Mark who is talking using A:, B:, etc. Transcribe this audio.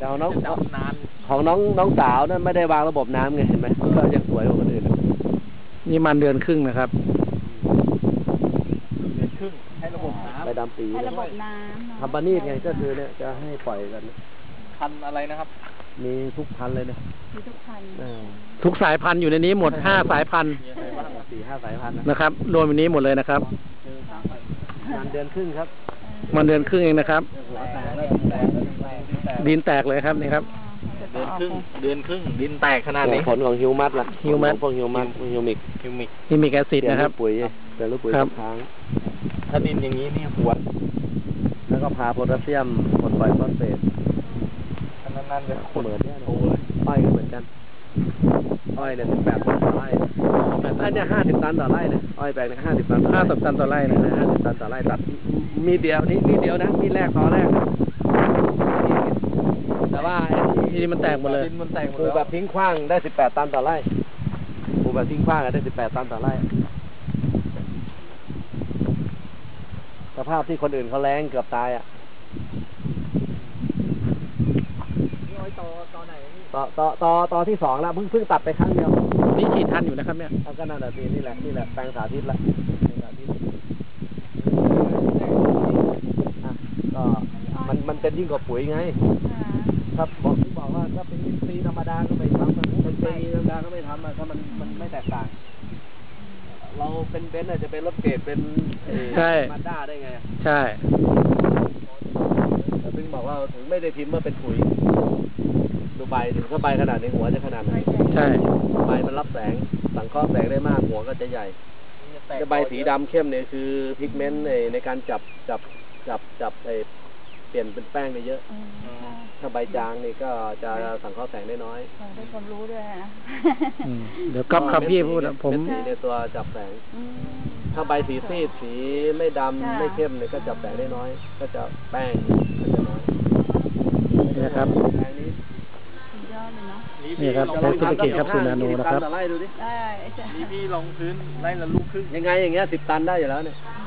A: แต่ของน้อง
B: จะดำนาน
A: ของน้องสาวนั่นไม่ได้วางระบบน้ำไงเห็นไหมก็ยังสวยกว่าคนอื่น
C: นี่มันเดือนครึ่งนะครับ
B: เดือนครึ่งให้ระบบน้ำ
A: ใบดำปี
D: ให้ระบบน้ำ
A: ทำปานีดไงก็คือเนี่ยจะให้ปล่อยกัน
B: พันอะไรนะครับ
A: มีทุกพันเลยนะ
D: มีทุกพัน
C: ทุกสายพันธุ์อยู่ในนี้หมด5 สายพันธุ์
B: มีอะไรบ้าง
A: 4-5 สายพันธุ์
C: นะครับรวมในนี้หมดเลยนะครับ
A: งานเดือนครึ่งครับ
C: มันเดือนครึ่งเองนะครับ
A: หัวแตกแล้วแตก
C: ดินแตกเลยครับนี่ครับ
B: เดือนครึ่งดินแตกขนาดนี้
A: ผลของฮิวมัสล่ะ
C: ฮิวมัส
A: พวกฮิวมัสฮิวมิก
B: คิวมิก
C: นี่มีแอซิดนะครับ
A: เปลี่ยนลูกปุ๋ยเปลี่ยนลูกปุ๋ย
C: ครับ
A: ทุกครั้ง
B: ถ้าดินอย่างนี้นี่หัว
A: แล้วก็พาโพแทสเซียมผลปล่อยฟอสเฟต
B: ขนาดนั้นเลย
A: เหมือนเนี่ยอ้อยก็เหมือนกันอ้อยเนี่ย18 ตันต่อไร่อันเนี้ย50 ตันต่อไร่นะอ้อยแปลงเนี่ย50 ตันต่อไร่
C: 50 ตันต่อไร่นะ
A: 50 ตันต่อไร่ตัดมีเดียวนี่เดียวนะมีแรกต่อแรกนะแต่ว่า
C: ที่นี่มันแตกหมดเลย
B: ดินมันแตกหม
A: ป
B: ด
A: ลูก
B: แล้ว
A: แบบทิ้งขว้างได้18 ตันต่อไร่ปลูกแบบทิ้งขว้างได้18 ตันต่อไร่สภาพที่คนอื่นเขาแล้งเกือบตายอ่ะ
B: นี่อ้อยตอไหนนี่
A: ต่อที่2แล้วเพิ่งตัดไปครั้งเดียว
C: นี่ฉีดทันอยู่นะครับเนี่ย
A: เอาก็นั่นแหละสินี่แหละแปลงสาธิตละแปลงสาธิตอ่ะก็มันเป็นยิ่งกว่าปุ๋ยไงครับบอกว่าถ้าเป็นอินทรีย์ธรรมดาก็ไม่ทำเป็นเคมีธรรมดาก็ไม่ทำถ้ามันไม่แตกต่าง เราเป็นเบนซ์อาจจะเป็นรถเกรดเป็น
C: ใช่
A: มาด้าได้ไง
C: ใช่
A: แต่ถึงบอกว่าถึงไม่ได้พิมพ์ว่าเป็นปุ๋ยดูใบถึงถ้าใบขนาดในหัวจะขนาดไหน
C: ใช่
A: ใบมันรับแสงสังเคราะห์แสงได้มากหัวก็จะใหญ่จะใบสีดำเข้มเนี่ยคือพิกเมนต์ในการจับเปลี่ยนเป็นแป้งได้เยอะ ถ้าใบจางนี่ก็จะสังเคราะห์แสงได้น้อย
D: ได้ความรู้ด้วยนะ
C: เดี๋ยวก๊อฟครับพี่พูดนะผม
A: เม็ดสีในตัวจับแสง ถ้าใบสีซีดสีไม่ดำไม่เข้มเนี่ยก็จับแสงได้น้อย ก็จะแป้งก็จะน้อย
C: นี่นะครับ
A: แป้งนี้
D: สุดยอดเลยเนาะ
C: นี่ครับใช้ซุปเปอร์เกตครับสูตรนาโนนะครับ
A: 10 ตัต่อไร่ดูดิ
D: ได้จ้ะ
B: นี่พี่ลองพื้นไร่ละลูกครึ่ง
A: ยังไงอย่างเงี้ย10 ตันได้อยู่แล้วเนี่ย
D: อื